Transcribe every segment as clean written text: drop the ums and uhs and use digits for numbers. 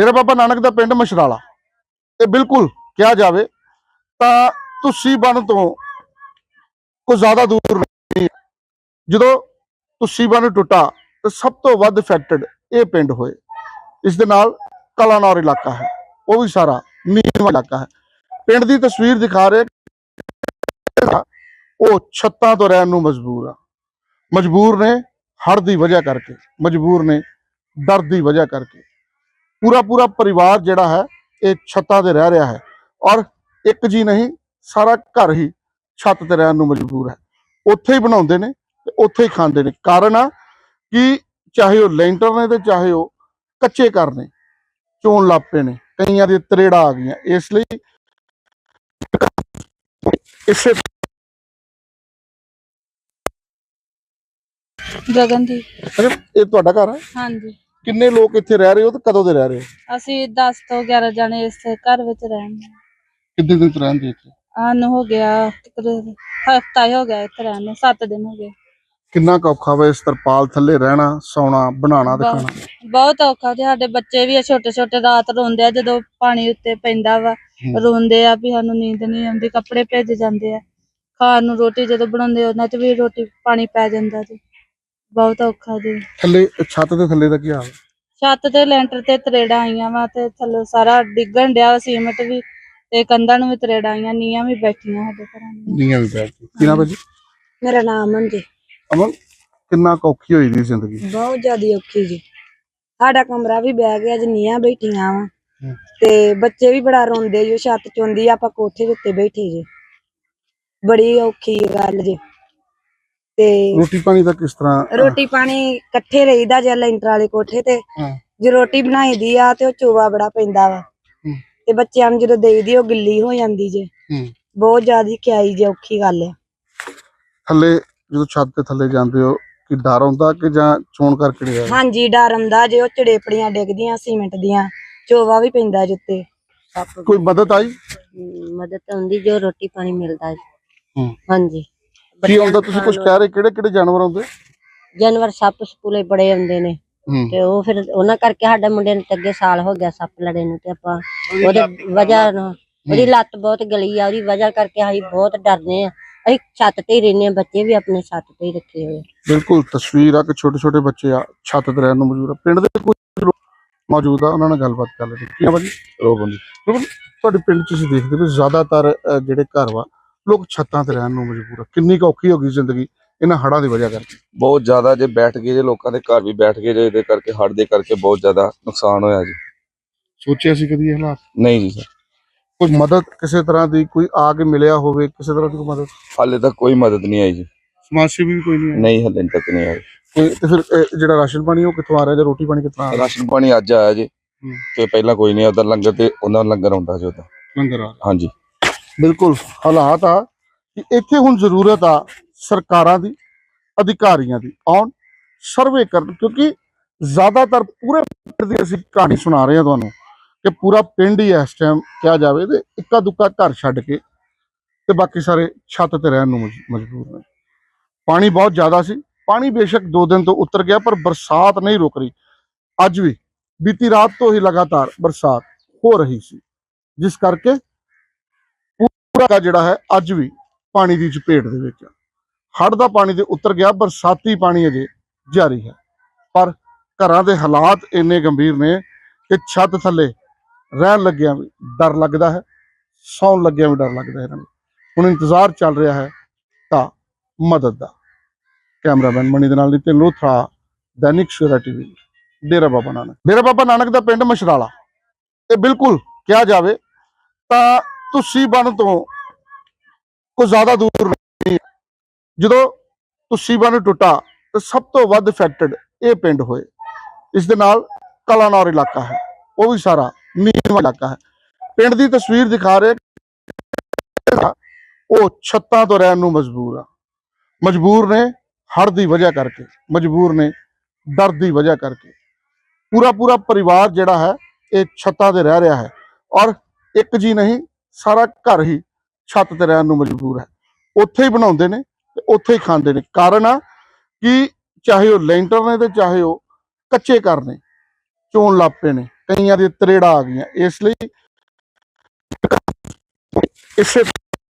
डेरा बाबा नानक दा पिंड मछराला ये बिल्कुल कहा जाए तो तुसी बन तो कोई ज्यादा दूर नहीं। जो तुसी बन टुटा तो सब तो वध इफेक्टेड ये पिंड होए। इस दे नाल कलानौर इलाका है, वो भी सारा नीवा इलाका है। पिंड की तस्वीर दिखा रहे वो छत्तां तो रहन नूं मजबूर ने हड़ की वजह करके, मजबूर ने डर की वजह करके। पूरा पूरा परिवार जिहड़ा है ये छत्तां ते रह रहा है और एक जी नहीं सारा घर ही छत ते रहन नूं मजबूर है। उत्थे ही बनाउंदे ने ते उत्थे ही खांदे ने। कारण आ कि चाहे वो लेंटर ने ते चाहे वो कच्चे घर ने, चोन लग पे ने, कईयां दी तरेड़ा आ गई। इसलिए इसे गगनदीप। अच्छा ये तुहाडा घर है? हाँ जी। किन्ने लोग इत्थे रह रहे हो ते कदों दे रह रहे हो? ਅਸੀਂ 10 ਤੋਂ 11 ਜਣੇ ਇਸ ਘਰ ਵਿੱਚ ਰਹਿੰਦੇ ਹਾਂ। कितने दिन तो रहंदे इत्थे? ਆਨ ਹੋ ਗਿਆ ਹਫਤਾ ਹੀ ਹੋ ਗਿਆ ਇੱਥੇ ਰਹਿਣ ਨੂੰ, 7 ਦਿਨ ਹੋ ਗਏ। किन्ना क औखा वा इस तरपाल थल्ले रहना, सौना, बनाना ते खाना? ਬਹੁਤ ਔਖਾ ਤੇ ਸਾਡੇ ਬੱਚੇ ਵੀ ਆ ਛੋਟੇ ਛੋਟੇ, ਰਾਤ ਰੋਂਦੇ ਆ ਜਦੋਂ ਪਾਣੀ ਉੱਤੇ ਪੈਂਦਾ ਵਾ। ਰੋਂਦੇ ਆ ਵੀ ਸਾਨੂੰ ਨੀਂਦ ਨਹੀਂ ਆਉਂਦੀ, ਕੱਪੜੇ ਭਿੱਜ ਜਾਂਦੇ ਆ। ਖਾਣ ਨੂੰ ਰੋਟੀ ਜਦੋਂ ਬਣਾਉਂਦੇ ਉਹਨਾਂ ਚ ਵੀ ਰੋਟੀ ਪਾਣੀ ਪੈ ਜਾਂਦਾ ਜੀ। ਬਹੁਤ ਔਖਾ ਜੀ। थल्ले छत दे थल्ले दा की हाल? ਛੱਤ ਤੇ ਲੈਂਟਰ ਤੇ ਤਰੇੜਾਂ ਆਈਆਂ ਵਾ ਤੇ ਥੱਲੇ ਸਾਰਾ ਡਿੱਗਣ ਡਿਆ, ਸੀਮਟ ਵੀ ਤੇ ਕੰਧਾਂ ਨੂੰ ਵੀ ਤਰੇੜਾਂ ਆਈਆਂ, ਨੀਆਂ ਵੀ ਬੈਠੀਆਂ ਸਾਡੇ ਘਰਾਂ ਦੀਆਂ। नीयां भी बैठ गई। की नाम है जी? ਮੇਰਾ ਨਾਮ ਅਮਨ ਜੀ। अमन किन्ना क औखी होई दी जिंदगी? ਬਹੁਤ ਜ਼ਿਆਦਾ ਔਖੀ ਜੀ। ਸਾਡਾ ਕਮਰਾ ਵੀ ਬਹਿ ਗਿਆ ਜੀ, ਨੀਆਂ ਬੈਠੀਆਂ ਵਾ ਤੇ ਬੱਚੇ ਵੀ ਬੜਾ ਰੋਂਦੇ ਜੀ। ਛੱਤ ਚੁੰਦੀ ਆਪਾਂ ਕੋਠੇ ਦੇ ਉੱਤੇ ਬੈਠੇ ਜੀ, ਬੜੀ ਔਖੀ ਗੱਲ ਜੀ। ਤੇ रोटी पानी दा किस तरह? ਰੋਟੀ ਪਾਣੀ ਇਕੱਠੇ ਰਹੀਦਾ ਜੇ ਲੈਂਟਰ ਵਾਲੇ ਕੋਠੇ ਤੇ। ਜੇ ਰੋਟੀ ਬਣਾਈ ਦੀ ਆ ਤੇ ਉਹ ਚੋਵਾ ਬੜਾ ਪੈਂਦਾ ਵਾ ਤੇ ਬੱਚਿਆਂ ਨੂੰ ਜਦੋਂ ਦੇਈਦੀ ਉਹ ਗਿੱਲੀ ਹੋ ਜਾਂਦੀ ਜੇ। ਬਹੁਤ ਜ਼ਿਆਦਾ ਖਿਆਈ ਜੇ, ਔਖੀ ਗੱਲ ਆ। थल्ले जो छत ते थल्ले जांदे हो कि डर आउंदा कि जां चोण करके नहीं? ਹਾਂਜੀ ਡਰ ਆਉਂਦਾ ਜੇ, ਉਹ ਚੜੇਪੜੀਆਂ ਡਿੱਗਦੀਆਂ ਸੀਮੈਂਟ ਦੀਆਂ, ਚੋਵਾ ਵੀ ਪੈਂਦਾ ਜਿੱਤੇ। कोई मदद आई? ਮਦਦ ਹੁੰਦੀ ਜੋ ਰੋਟੀ ਪਾਣੀ ਮਿਲਦਾ ਹੈ। ਹਾਂਜੀ की आउंदा? तुसीं कुछ कह रहे किहड़े जानवर आउंदे? ਜਾਨਵਰ ਸੱਪ ਸਪੂਲੇ ਬੜੇ ਹੁੰਦੇ ਨੇ ਤੇ ਉਹ ਫਿਰ ਉਹਨਾਂ ਕਰਕੇ ਸਾਡੇ ਮੁੰਡੇ ਨੂੰ ਅੱਗੇ ਸਾਲ ਹੋ ਗਿਆ ਸੱਪ ਲੜੇ ਨੂੰ ਤੇ ਆਪਾਂ ਉਹਦੇ ਵਜ੍ਹਾ ਨਾਲ ਉਹਦੀ ਲੱਤ ਬਹੁਤ ਗਲੀ ਆ, ਉਹਦੀ ਵਜ੍ਹਾ ਕਰਕੇ ਅਸੀਂ ਬਹੁਤ ਡਰਦੇ ਆ। ਅਸੀਂ ਛੱਤ ਤੇ ਹੀ ਰਹਿੰਦੇ ਆ, ਬੱਚੇ ਵੀ ਆਪਣੇ ਛੱਤ ਤੇ ਹੀ ਰੱਖੇ ਹੋਏ। बिल्कुल तस्वीर आ कि छोटे छोटे बच्चे आ छत ते रहन नूं मजबूर आ। पिंड दे कुछ लोग मौजूद आ, उन्हां नाल गलबात कर लेंगे। की भाजी? रोबन तुहाडे पिंड च तुसीं देखदे हो ज़्यादातर जिहड़े घर वा लोग छत्तां ते रहन नूं मजबूर आ। किन्नी क औखी हो गई जिंदगी इन्हां हड़ां दी वजह करके? बहुत ज्यादा जे बैठ गए जे लोगों के घर भी बैठ गए जे इहदे करके हड़ दे करके बहुत ज्यादा नुकसान होया जी। सोचिया सी कदी ये हालात? नहीं जी सर, कोई मदद किसी तरह की कोई आके मिलया होवे, किसी तरह की कोई मदद? हाले तक कोई मदद नहीं आई जी। समाज सेवी भी कोई नहीं है? नहीं हाले तक नहीं आई। कोई ते फिर जिहड़ा राशन पानी वो कित्थों आ रहा है, रोटी पानी कित्थों आ रहा है? राशन पानी अज आया जी ते पहला कोई नहीं, उधर लंगर ते उन्हां लंगर आउंदा जी उधर। लंगर आ रहा? हाँ जी बिल्कुल हालात आ कि इत्थे हुण जरूरत आ सरकारां दी, अधिकारियां दी आउण सर्वे करन, क्योंकि ज्यादातर पूरे पिंड दी असीं कहानी सुना रहे हैं तुहानूं कि पूरा पिंड ही इस टाइम कहा जाए तो इक्का दुक्का घर छड्ड के ते बाकी सारे छत ते रहन नूं मजबूर ने। पानी बहुत ज्यादा सी, पानी बेशक 2 दिन तो उतर गया पर बरसात नहीं रुक रही। अज भी बीती रात तो ही लगातार बरसात हो रही सी, जिस करके पूरा जिहड़ा है अज भी पानी की चपेट दे विच। हड़ दा पानी तो उतर गया, बरसाती पानी अजे जारी है पर घरां दे हालात इन्ने गंभीर ने कि छत थल्ले रहन लग्गिया भी डर लगदा है, सौन लग्गिया भी डर लगदा है। इन्हां नूं हुण इंतजार चल रहा है तां मदद दा। कैमरामैन मनी दे नाल नितिन लोथरा, दैनिक सवेरा टीवी, डेरा बाबा नानक। डेरा बाबा नानक दा पिंड मछराला ये बिल्कुल कहा जाए तो तुसी बन तो कोई ज्यादा दूर नहीं। जो तुसी बन टुटा तो सब तो वध इफेक्टेड ये पिंड होए। इस दे नाल कलानौर इलाका है, वो भी सारा नीवा इलाका है। पिंड की तस्वीर दिखा रहे वो छत्तां तो रहन नूं मजबूर ने हड़ की वजह करके, मजबूर ने डर की वजह करके। पूरा पूरा परिवार जिहड़ा है ये छत्तां ते रह रहा है और एक जी नहीं सारा घर ही छत ते रहन नूं मजबूर है। उत्थे ही बनाउंदे ने ते उत्थे ही खांदे ने। कारण आ कि चाहे वो लेंटर ने ते चाहे वो कच्चे घर ने, चोन लग पे ने, ਕਈਆਂ ਦੇ ਤਰੇੜਾ ਆ ਗਈਆਂ। ਇਸ ਲਈ ਇਸੇ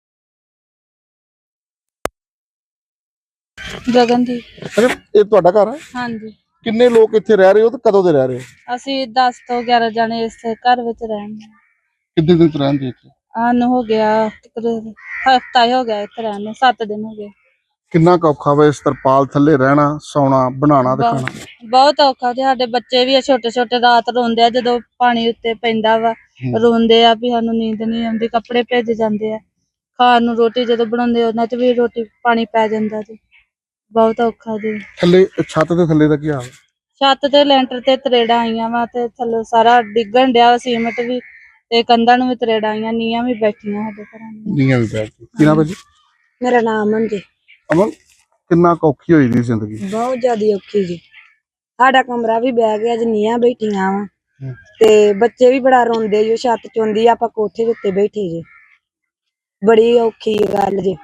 ਗਗਨਦੀਪ। ਅੱਛਾ, ਇਹ ਤੁਹਾਡਾ ਘਰ ਹੈ? ਹਾਂਜੀ, ਕਿੰਨੇ ਲੋਕ ਇੱਥੇ ਰਹਿ ਰਹੇ ਹੋ ਤੇ ਕਦੋਂ ਦੇ ਰਹਿ ਰਹੇ ਹੋ? ਅਸੀਂ 10 ਤੋਂ 11 ਜਣੇ ਇਸ ਘਰ ਵਿੱਚ ਰਹਿੰਦੇ ਹਾਂ। ਕਿੰਨੇ ਦਿਨ ਤੋਂ ਰਹਿੰਦੇ ਇੱਥੇ? ਸਾਨੂੰ ਹੋ ਗਿਆ ਹਫਤਾ ਹੀ ਹੋ ਗਿਆ ਇੱਥੇ ਰਹਿਣ ਨੂੰ, 7 ਦਿਨ ਹੋ ਗਏ। ਕਿੰਨਾ ਕੁ ਔਖਾ ਵਾ ਇਸ ਤਰਪਾਲ ਥੱਲੇ ਰਹਿਣਾ, ਸੌਣਾ, ਬਣਾਉਣਾ ਤੇ ਖਾਣਾ? ਬਹੁਤ ਔਖਾ ਤੇ ਸਾਡੇ ਬੱਚੇ ਵੀ ਆ ਛੋਟੇ ਛੋਟੇ, ਰਾਤ ਰੋਂਦੇ ਆ ਜਦੋਂ ਪਾਣੀ ਉੱਤੇ ਪੈਂਦਾ ਵਾ। ਰੋਂਦੇ ਆ ਵੀ ਸਾਨੂੰ ਨੀਂਦ ਨਹੀਂ ਆਉਂਦੀ, ਕੱਪੜੇ ਭਿੱਜ ਜਾਂਦੇ ਆ। ਖਾਣ ਨੂੰ ਰੋਟੀ ਜਦੋਂ ਬਣਾਉਂਦੇ ਉਹਨਾਂ 'ਚ ਵੀ ਰੋਟੀ ਪਾਣੀ ਪੈ ਜਾਂਦਾ ਜੀ। ਬਹੁਤ ਔਖਾ ਜੀ। ਥੱਲੇ ਛੱਤ ਦੇ ਥੱਲੇ ਦਾ ਕੀ ਹਾਲ? ਛੱਤ ਤੇ ਲੈਂਟਰ ਤੇ ਤਰੇੜਾਂ ਆਈਆਂ ਵਾ ਤੇ ਥੱਲੇ ਸਾਰਾ ਡਿੱਗਣ ਡਿਆ ਵਾ, ਸੀਮੈਂਟ ਵੀ ਤੇ ਕੰਧਾਂ ਨੂੰ ਵੀ ਤਰੇੜਾਂ ਆਈਆਂ, ਨੀਆਂ ਵੀ ਬੈਠੀਆਂ ਸਾਡੇ ਘਰਾਂ ਦੀਆਂ। ਨੀਆਂ ਵੀ ਬੈਠ ਗਈ। ਕੀ ਨਾਮ ਹੈ ਜੀ? ਮੇਰਾ ਨਾਮ ਅਮਨ ਜੀ। ਅਮਨ, ਕਿੰਨਾ ਕੁ ਔਖੀ ਹੋਈ ਦੀ ਜ਼ਿੰਦਗੀ? ਬਹੁਤ ਜ਼ਿਆਦਾ ਔਖੀ ਜੀ। ਸਾਡਾ ਕਮਰਾ ਵੀ ਬਹਿ ਗਿਆ ਜੀ, ਨੀਆਂ ਬੈਠੀਆਂ ਵਾ ਤੇ ਬੱਚੇ ਵੀ ਬੜਾ ਰੋਂਦੇ ਜੀ। ਛੱਤ ਚੁੰਦੀ, ਆਪਾਂ ਕੋਠੇ ਦੇ ਉੱਤੇ ਬੈਠੇ ਜੀ। ਬੜੀ ਔਖੀ ਗੱਲ ਜੀ।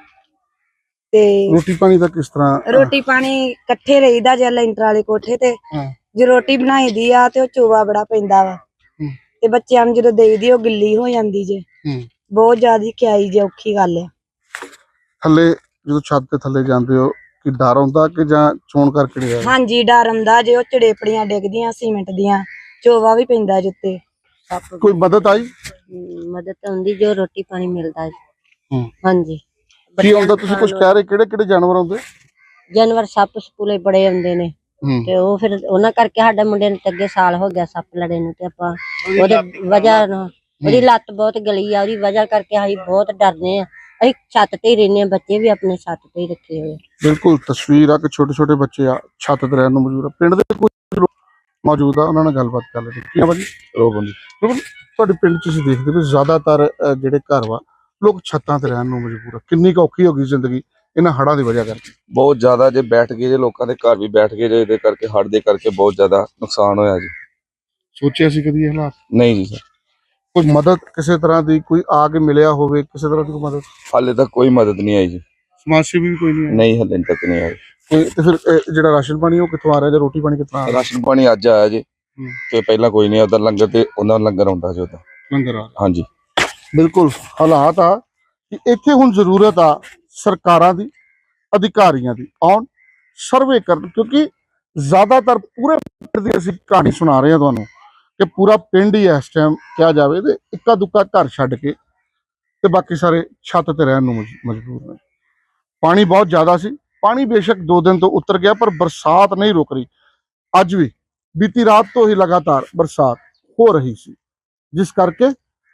ਤੇ ਰੋਟੀ ਪਾਣੀ ਦਾ ਕਿਸ ਤਰ੍ਹਾਂ? ਰੋਟੀ ਪਾਣੀ ਇਕੱਠੇ ਰਹੀਦਾ ਜੇ ਲੈਂਟਰ ਵਾਲੇ ਕੋਠੇ ਤੇ। ਜੇ ਰੋਟੀ ਬਣਾਈ ਦੀ ਆ ਤੇ ਉਹ ਚੋਵਾ ਬੜਾ ਪੈਂਦਾ ਵਾ ਤੇ ਬੱਚਿਆਂ ਨੂੰ ਜਦੋਂ ਦੇਈਦੀ ਉਹ ਗਿੱਲੀ ਹੋ ਜਾਂਦੀ ਜੇ। ਬਹੁਤ ਜ਼ਿਆਦਾ ਖਿਆਈ ਜੇ, ਔਖੀ ਗੱਲ ਆ। ਥੱਲੇ ਜਦੋਂ ਛੱਤ ਦੇ ਥੱਲੇ ਜਾਂਦੇ ਹੋ ਕਿ ਡਰ ਆਉਂਦਾ ਕਿ ਜਾਂ ਚੋਣ ਕਰਕੇ ਨਹੀਂ? ਹਾਂਜੀ, ਡਰ ਆਉਂਦਾ ਜੇ। ਉਹ ਚੜੇਪੜੀਆਂ ਡਿੱਗਦੀਆਂ ਸੀਮੈਂਟ ਦੀਆਂ, ਚੋਵਾ ਵੀ ਪੈਂਦਾ ਜਿੱਤੇ। ਕੋਈ ਮਦਦ ਆਈ? ਮਦਦ ਹੁੰਦੀ ਜੋ ਰੋਟੀ ਪਾਣੀ ਮਿਲਦਾ ਜੀ। ਹਾਂਜੀ। ਕੀ ਆਉਂਦਾ? ਤੁਸੀਂ ਕੁਝ ਕਹਿ ਰਹੇ, ਕਿਹੜੇ ਕਿਹੜੇ ਜਾਨਵਰ ਆਉਂਦੇ? ਜਾਨਵਰ ਸੱਪ ਸਪੂਲੇ ਬੜੇ ਆਉਂਦੇ ਨੇ ਤੇ ਉਹ ਫਿਰ ਉਹਨਾਂ ਕਰਕੇ ਸਾਡੇ ਮੁੰਡੇ ਨੂੰ ਅੱਗੇ ਸਾਲ ਹੋ ਗਿਆ ਸੱਪ ਲੜੇ ਨੂੰ ਤੇ ਆਪਾਂ ਉਹਦੇ ਵਜ੍ਹਾ ਨਾਲ ਉਹਦੀ ਲੱਤ ਬਹੁਤ ਗਲੀ ਆ, ਉਹਦੀ ਵਜ੍ਹਾ ਕਰਕੇ ਅਸੀਂ ਬਹੁਤ ਡਰਦੇ ਆ। ਅਸੀਂ ਛੱਤ ਤੇ ਹੀ ਰਹਿੰਦੇ ਆ, ਬੱਚੇ ਵੀ ਆਪਣੇ ਛੱਤ ਤੇ ਹੀ ਰੱਖੇ ਹੋਏ। ਬਿਲਕੁਲ ਤਸਵੀਰ ਆ ਕਿ ਛੋਟੇ ਛੋਟੇ ਬੱਚੇ ਆ ਛੱਤ ਤੇ ਰਹਿਣ ਨੂੰ ਮਜਬੂਰ ਆ। ਪਿੰਡ ਦੇ ਕੁਝ ਲੋਕ ਮੌਜੂਦ ਆ, ਉਹਨਾਂ ਨਾਲ ਗੱਲਬਾਤ ਕਰ ਲੈਂਦੇ। ਕੀ ਆ ਜੀ? ਰੋਬਨ ਜੀ। ਰੋਬਨ, ਤੁਹਾਡੇ ਪਿੰਡ 'ਚ ਤੁਸੀਂ ਦੇਖਦੇ ਹੋ ਜ਼ਿਆਦਾਤਰ ਜਿਹੜੇ ਘਰ ਵਾ ਲੋਕ ਛੱਤਾਂ ਤੇ ਰਹਿਣ ਨੂੰ ਮਜਬੂਰ ਆ। ਕਿੰਨੀ ਕੁ ਔਖੀ ਹੋ ਗਈ ਜ਼ਿੰਦਗੀ ਇਹਨਾਂ ਹੜ੍ਹਾਂ ਦੀ ਵਜ੍ਹਾ ਕਰਕੇ? ਬਹੁਤ ਜ਼ਿਆਦਾ, ਜੇ ਬੈਠ ਗਏ ਜੇ ਲੋਕਾਂ ਦੇ ਘਰ ਵੀ ਬੈਠ ਗਏ ਜੇ ਇਹਦੇ ਕਰਕੇ, ਹੜ੍ਹ ਦੇ ਕਰਕੇ ਬਹੁਤ ਜ਼ਿਆਦਾ ਨੁਕਸਾਨ ਹੋਇਆ ਜੀ। ਸੋਚਿਆ ਸੀ ਕਦੀ ਇਹ ਹਾਲਾਤ? ਨਹੀਂ ਜੀ ਸਰ, ਕੋਈ ਮਦਦ ਕਿਸੇ ਤਰ੍ਹਾਂ ਦੀ ਕੋਈ ਆ ਕੇ ਮਿਲਿਆ ਹੋਵੇ, ਕਿਸੇ ਤਰ੍ਹਾਂ ਦੀ ਕੋਈ ਮਦਦ? ਹਾਲੇ ਤੱਕ ਕੋਈ ਮਦਦ ਨਹੀਂ ਆਈ ਜੀ। ਸਮਾਜ ਸੇਵੀ ਵੀ ਕੋਈ ਨਹੀਂ ਆਇਆ? ਨਹੀਂ, ਹਾਲੇ ਤੱਕ ਨਹੀਂ ਆਈ। ਤੇ ਫਿਰ ਜਿਹੜਾ ਰਾਸ਼ਨ ਪਾਣੀ ਉਹ ਕਿੱਥੋਂ ਆ ਰਿਹਾ ਜਾਂ ਰੋਟੀ ਪਾਣੀ ਕਿੱਥੋਂ ਆ ਰਿਹਾ? ਰਾਸ਼ਨ ਪਾਣੀ ਅੱਜ ਆਇਆ ਜੀ ਤੇ ਪਹਿਲਾਂ ਕੋਈ ਨਹੀਂ। ਉਧਰ ਲੰਗਰ ਤੇ ਉਹਨਾਂ ਲੰਗਰ ਆਉਂਦਾ ਜੀ ਉਧਰ। ਲੰਗਰ ਆ ਰਿਹਾ। ਹਾਂਜੀ, ਬਿਲਕੁਲ ਹਾਲਾਤ ਆ ਕਿ ਇੱਥੇ ਹੁਣ ਜ਼ਰੂਰਤ ਆ ਸਰਕਾਰਾਂ ਦੀ, ਅਧਿਕਾਰੀਆਂ ਦੀ ਆਉਣ, ਸਰਵੇ ਕਰਨ। ਕਿਉਂਕਿ ਜ਼ਿਆਦਾਤਰ ਪੂਰੇ ਪਿੰਡ ਦੀ ਅਸੀਂ ਕਹਾਣੀ ਸੁਣਾ ਰਹੇ ਹਾਂ ਤੁਹਾਨੂੰ ਕਿ ਪੂਰਾ ਪਿੰਡ ਹੀ ਇਸ ਟਾਈਮ ਕਿਹਾ ਜਾਵੇ ਤੇ ਇੱਕਾ ਦੁੱਕਾ ਘਰ ਛੱਡ ਕੇ ਤੇ ਬਾਕੀ ਸਾਰੇ ਛੱਤ ਤੇ ਰਹਿਣ ਨੂੰ ਮਜਬੂਰ ਨੇ। ਪਾਣੀ ਬਹੁਤ ਜ਼ਿਆਦਾ ਸੀ। ਪਾਣੀ ਬੇਸ਼ੱਕ 2 ਦਿਨ ਤੋਂ ਉਤਰ ਗਿਆ ਪਰ ਬਰਸਾਤ ਨਹੀਂ ਰੁਕ ਰਹੀ। ਅੱਜ ਵੀ ਬੀਤੀ ਰਾਤ ਤੋਂ ਹੀ ਲਗਾਤਾਰ ਬਰਸਾਤ ਹੋ ਰਹੀ ਸੀ, ਜਿਸ ਕਰਕੇ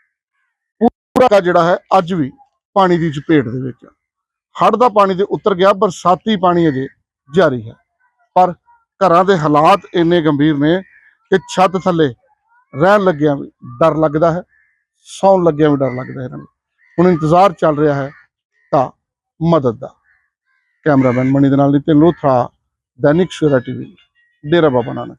ਪੂਰਾ ਜਿਹੜਾ ਹੈ ਅੱਜ ਵੀ ਪਾਣੀ ਦੀ ਚਪੇਟ ਦੇ ਵਿੱਚ। ਹੜ੍ਹ ਦਾ ਪਾਣੀ ਤੇ ਉਤਰ ਗਿਆ, ਬਰਸਾਤੀ ਪਾਣੀ ਅਜੇ ਜਾਰੀ ਹੈ। ਪਰ ਘਰਾਂ ਦੇ ਹਾਲਾਤ ਇੰਨੇ ਗੰਭੀਰ ਨੇ ਕਿ ਛੱਤ ਥੱਲੇ ਰਹਿਣ ਲੱਗਿਆਂ ਵੀ ਡਰ ਲੱਗਦਾ ਹੈ, ਸੌਣ ਲੱਗਿਆਂ ਵੀ ਡਰ ਲੱਗਦਾ ਹੈ ਇਹਨਾਂ ਨੂੰ। ਹੁਣ ਇੰਤਜ਼ਾਰ ਚੱਲ ਰਿਹਾ ਹੈ ਤਾਂ ਮਦਦ ਦਾ। ਕੈਮਰਾਮੈਨ ਮਣੀ ਦੇ ਨਾਲ ਨਿਤਿਨ ਲੋਥਰਾ, ਦੈਨਿਕ ਸਵੇਰਾ ਟੀਵੀ, ਡੇਰਾ ਬਾਬਾ ਨਾਨਕ।